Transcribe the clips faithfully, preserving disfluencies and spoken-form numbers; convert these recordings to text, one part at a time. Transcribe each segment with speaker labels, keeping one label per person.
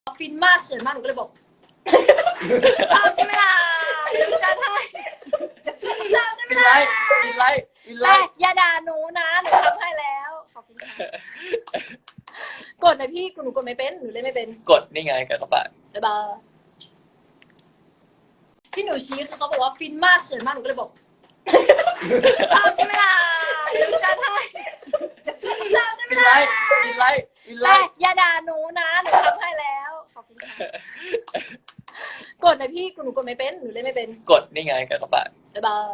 Speaker 1: ฟินมากเขินมากหนูก็เลยบอกชอบใช่ไหมล่ะเดี๋ยวจะทำชอบใช่ไหมล่ะ
Speaker 2: อินไลท์อินไล
Speaker 1: แต่
Speaker 2: ท์
Speaker 1: อย่าด่าหนูนะหนูทำให้แล้วขอบคุณค่ะกดเลยพี่หนูกดไม่เป็นหนูเล่นไม่เป็น
Speaker 2: กดนี่ไงกับกระบะ
Speaker 1: บ๊ายบายที่หนูชี้คือเขาบอกว่าฟินมากเขินมากหนูก็เลยบอกชอบใช่ไหมล่ะเดี๋ยวจะทำชอบใช่ไหม
Speaker 2: อินไล
Speaker 1: ล่ะ
Speaker 2: ท์อินไลท์อินไล
Speaker 1: แต่
Speaker 2: ท์
Speaker 1: อย่าด่าหนูนะหนูทำให้แล้วขอบคุณค่ะกดเลยพี่หนูกดไม่เป็นหนูเล่นไม่เป็น
Speaker 2: กดนี่ไงกับกระบะ
Speaker 1: บ๊ายบาย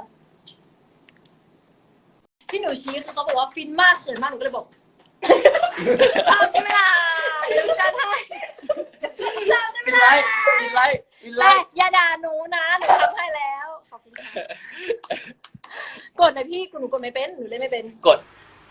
Speaker 1: ที่หนูชี้คือเขาบอกว่าฟินมากเขินมากหนูก็เลยบอกชอบใช่ไหมล่ะเดี๋ยวจะทำชอบใช่ไหม
Speaker 2: อินไล
Speaker 1: ล่ะ
Speaker 2: ท์อินไลท์อินไล
Speaker 1: แต่
Speaker 2: ท์
Speaker 1: อย่าด่าหนูนะหนูทำให้แล้วขอบคุณค่ะกดเลยพี่หนูกดไม่เป็นหนูเล่นไม่เป็น
Speaker 2: กด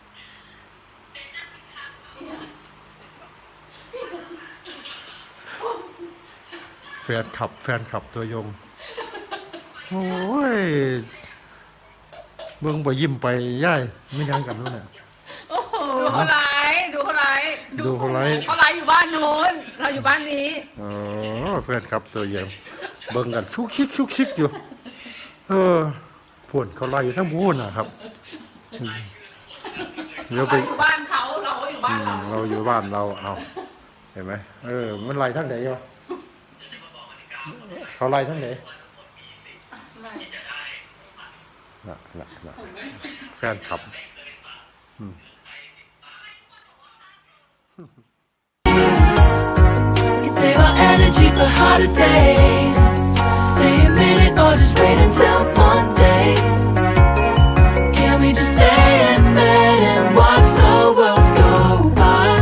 Speaker 3: แฟนคลับแฟนคลับตัวยงโอ้ยเบิ่งบ่ยิ้มไปย่ายไม่ยังกันนู่นน่ะ
Speaker 4: โอ้โหดูเขาไลฟ์ดูเขาไลฟ์
Speaker 3: ดูเขาไลฟ์
Speaker 4: เขาไลฟ์อยู่บ้านนู้นเราอยู่บ้านนี้
Speaker 3: อ๋อแฟนคลับตัวยงเบิ่งกันชุกชิกชุกชิกอยู่ เออพ่นเขาไล่อยู่ทั้งพูนน่ะครับอืมเดี๋ยว
Speaker 4: เรา
Speaker 3: ไป
Speaker 4: อยู่บ้านเขาเราก็อยู่บ้า
Speaker 3: อื
Speaker 4: น
Speaker 3: ม
Speaker 4: เรา
Speaker 3: เราอยู่บ้านเราเอาเห็นไหมเออมันไล่ทั้งไหนวะเขาไล่ทั้งไหนน่ะน่ะน่ะแฟนคลับ
Speaker 5: Can save our energy for harder days. Stay a minute or just wait until Monday.